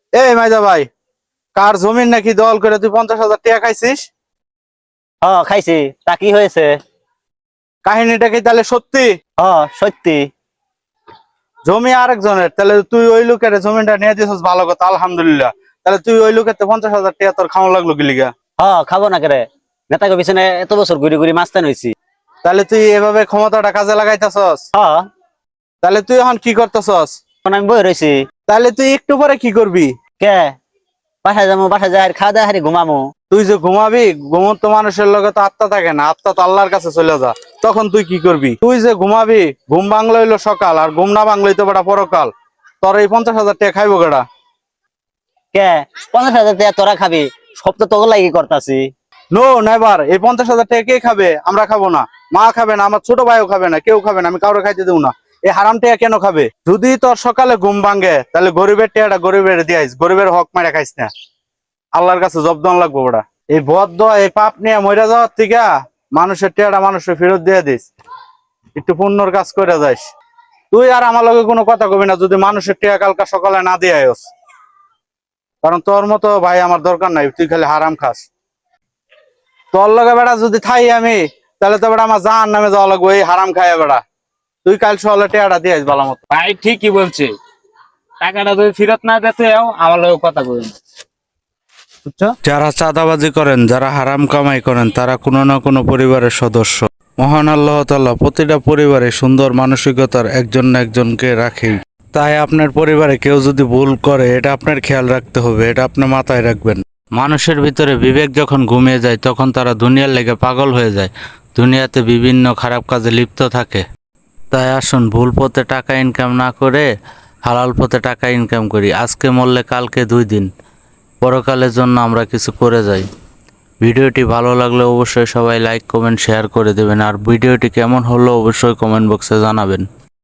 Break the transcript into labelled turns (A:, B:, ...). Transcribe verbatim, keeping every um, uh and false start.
A: এই মাইদা ভাই, কার জমিন নাকি দল করে তুই পঞ্চাশ হাজার টাকা খাইছিস?
B: হ খাইছি। তা কি হয়েছে?
A: কাহিনীটা কি তাহলে সত্যি?
B: হ সত্যি।
A: জমি আরেকজনের, তাহলে তুই ওই লোকের জমিটা নিয়ে দিছিস, ভালো কথা, আলহামদুলিল্লাহ। তাহলে তুই ওই লোকের পঞ্চাশ হাজার টাকা তোর খাওয়া লাগলো কি লিগা?
B: হ খাবো না কেরে? নেতাকে পিছনে এত বছর ঘুরি ঘুরি মাস্তান হইছি।
A: তাহলে তুই এভাবে ক্ষমতাটা কাজে লাগাইতেছস?
B: হ
A: তাহলে তুই এখন কি করতেছস?
B: এখন আমি বই রইছি।
A: তাহলে তুই একটু পরে কি করবি?
B: কে? বাসায় যাবো, বাসায় যাই খাওয়া দাওয়া হারি ঘুমামো।
A: তুই যে ঘুমাবি, ঘুমন্ত মানুষের লগে তো আত্মা থাকে না, আত্মা তো আল্লাহর কাছে চলে যা। তখন তুই কি করবি? তুই যে ঘুমাবি, ঘুম বাংলা হইলো সকাল, আর ঘুম না বাংলা হইতো বেটা পরকাল। তোর এই পঞ্চাশ হাজার টাকা খাইবো কেডা?
B: কে? পঞ্চাশ হাজার টাকা তোরা খাবি? সব তো তোকে লাগি করতাছি।
A: নো নেভার, এই পঞ্চাশ হাজার টাকা কে খাবে? আমরা খাবো না, মা খাবে না, আমার ছোট ভাইও খাবে না, কেউ খাবে না, আমি কাউরে খাইতে দেবো না। এই হারাম টাকা কেন খাবে? যদি তোর সকালে ঘুম ভাঙে, তাহলে গরিবের টাকাটা গরিবের দিয়াইস, গরিবের হক মারা খাইস না। আল্লাহর কাছে জবদান লাগবো ওটা। এই বদ্ধ এই পাপ নিয়ে মরে যাওয়ার থেকে মানুষের টাকাটা মানুষের ফেরত দিয়ে দিস, একটু পুণ্যর কাজ করে যাইস। তুই আর আমার লগে কোনো কথা কবি না যদি মানুষের টাকা কালকা সকালে না দিয়ে আয়স, কারণ তোর মতো ভাই আমার দরকার নাই, তুই খালি হারাম খাস। তোর লগে বেড়া যদি থাই আমি, তাহলে তো বেড়া আমার জাহান নামে যাওয়া লাগবো এই হারাম খাইয়া বেড়া। তুই কাল সকালে টেয়াটা দিয়েছ ভালো মতো।
C: ভাই ঠিকই বলছে, টাকাটা যদি ফেরত না দিতে আমার লোক কথা বলুন, বুঝছো?
D: যারা চাঁদাবাজি করেন, যারা হারাম কামাই করেন, তারা কোনো না কোনো পরিবারের সদস্য। মহান আল্লাহ তাআলা প্রতিটা পরিবারে সুন্দর মানসিকতার একজন না একজনকে রাখেই। তাই আপনার পরিবারে কেউ যদি ভুল করে, এটা আপনার খেয়াল রাখতে হবে, এটা আপনার মাথায় রাখবেন। মানুষের ভিতরে বিবেক যখন ঘুমিয়ে যায়, তখন তারা দুনিয়ার লেগে পাগল হয়ে যায়, দুনিয়াতে বিভিন্ন খারাপ কাজে লিপ্ত থাকে। তাই আসুন, ভুল পথে টাকা ইনকাম না করে হালাল পথে টাকা ইনকাম করি। আজকে মরলে কালকে দুই দিন, পরকালের জন্য আমরা কিছু করে যাই। ভিডিওটি ভালো লাগলে অবশ্যই সবাই লাইক কমেন্ট শেয়ার করে দেবেন, আর ভিডিওটি কেমন হলো অবশ্যই কমেন্ট বক্সে জানাবেন।